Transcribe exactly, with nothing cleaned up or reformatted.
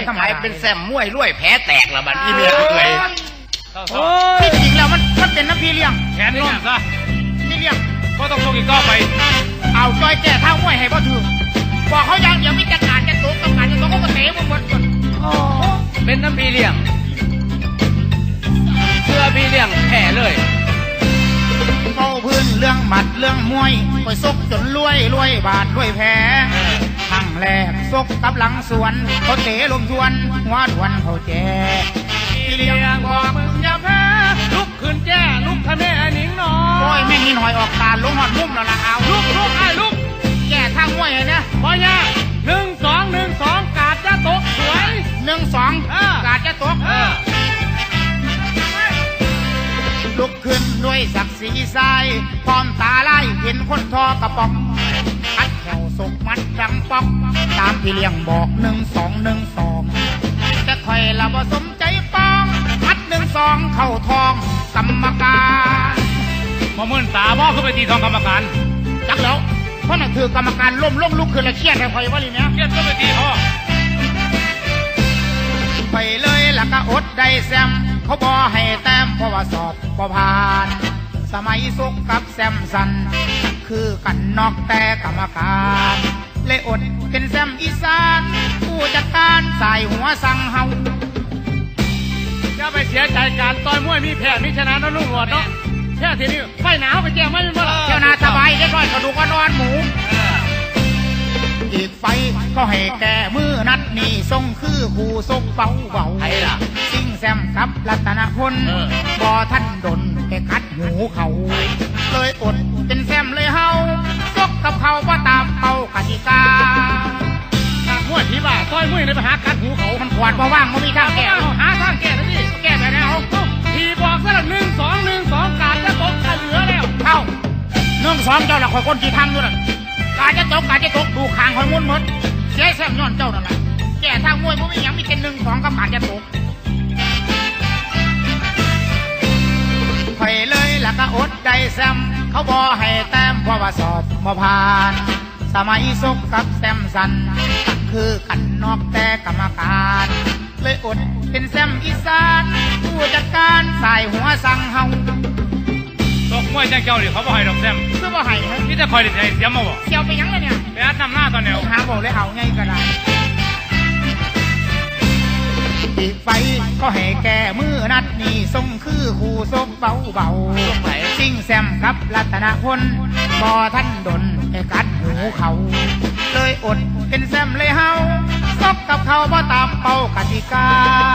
ขายเป็นแซมมวยรวยแผลแตกละบัดอีเมียเลยที่จริงแล้วมันมันเป็นน้ำพี่เลี้ยงแขนน้องซะพี่เลี้ยงก็ต้องส่งอีกต่อไปเอาจอยแก่ท่ามวยให้พ่อถือบอกเขาอย่างเดียวไม่จัดการจะตกกับการจะตกก็เตะมันหมดหมดเป็นน้ำพี่เลี้ยงเสื้อพี่เลี้ยงแผ่เลยเอาพื้นเรื่องหมัดเรื่องมวยไปซกจนรวยรวยบาดรวยแผลทั้งแรกซกกับหลังสวนเขาเตะลมทวนหัวดวนเขาแจพี่เลี้ยงบอกมึงอย่าแพ้ลุกขึ้นแจ้ลุกทะเนหนิงน้อยโอ้ยแม่นี่หน่อยออกตาลงหอดมุมแล้วล่ะเอาลุกลุกไอ้ลุกแก่ทางมวยเนี่ยพอยาหนึ่งสองหนึ่งสองกาดจะตกสวยหนึ่งสองกาดจะตกลุกขึ้นด้วยศักดิ์ศรีทรายพร้อมตาไล่เห็นคนทอกระป๋องอัดแถวสกมัดดังป๊อกตามพี่เลี้ยงบอกหนึ่งสองหนึ่งสองแต่คอยละบ่สมใจปองมัดหนึ่งสองเข้าทองกรรมการมาเมื่นตาบ่ขึ้นไปตีทองกรรมการจักแล้วเพราะนั่นคือกรรมการล้มล้มลุกขึ้นแล้วเครียดเลยคอยว่าลีเนี้ยเครียดก็ไปตีพ่อไปเลยแล้วก็อดได้แซมเขาบอให้แต้มเพราะว่าสอบบ่ผ่านสมัยสุกกับแซมสันคือกันนอกแต่กรรมการเลยอดเป็นแซมอีสานผู้จัดการสายหัวสั่งเฮาอย่าไปเสียใจการต่อยมวยมีแพ้มีชนะนะลุงหลวดเนาะแค่ทีนี้ไฟหนาวไปแจ้งไม่เป็นไรเที่ยวนาสบายเล็กน้อยกระดูกก็นอนหมูอีกไฟก็ให้แก่มือนัดนี่ทรงคือคู่ซกเบาเบาซิ่งแซมกับรัตนพลบ่ท่านดนแค่คัดหูเขาเลยอดเป็นแซมเลยเฮาซกกับเขาว่าตามเป้ากติกาหมวยที่บ้าต้อยมวยในไปหาคัดหูเขามันขวานว่าว่างมันมีทางแก้หาทางแก้แล้วนี่แก้แบบไหนเอาทีบอกซะละหนึ่งสองหนึ่งสองการจะตกเหลือแล้วเข้าหนึ่งสองเจ้าหลักคอยคนกี่ทางด้วยการจะตกการจะตกดูขางคอยมุนหมดเสียแซมย้อนเจ้านั่นแหละแก่ทางมวยมันไม่ยังมีแค่หนึ่งสองกับการจะตกไปเลยแล้วก็อดได้แซมเขาบอให้แต้มเพราะว่าสอบมาผ่านสมัยสุกกับแซมสันคือกันนอกแต่กรรมการเลยอดเป็นแซมอีสานผู้จัดการสายหัวสั่งเฮาตกมวยแจ้งเจ้าดิเขาบอกให้ดอกแซมคือว่าให้นี่จะคอยดิเสียมาบอกเสียวไปยังเลยเนี่ยไปอัดนำหน้าตอนเนี้ยหาบอกเลยเอาไงก็ได้อีกไฟก็ให้แก่มือนัดนี่ทรงคือคู่ซกเบาเบาซิ่งแซมกับรัตนพลบ่ท่านดนแค่กัดหูเขาเลยอดเป็นแซมเลยเฮาซกกับเขาบ่ตามเป้ากติกา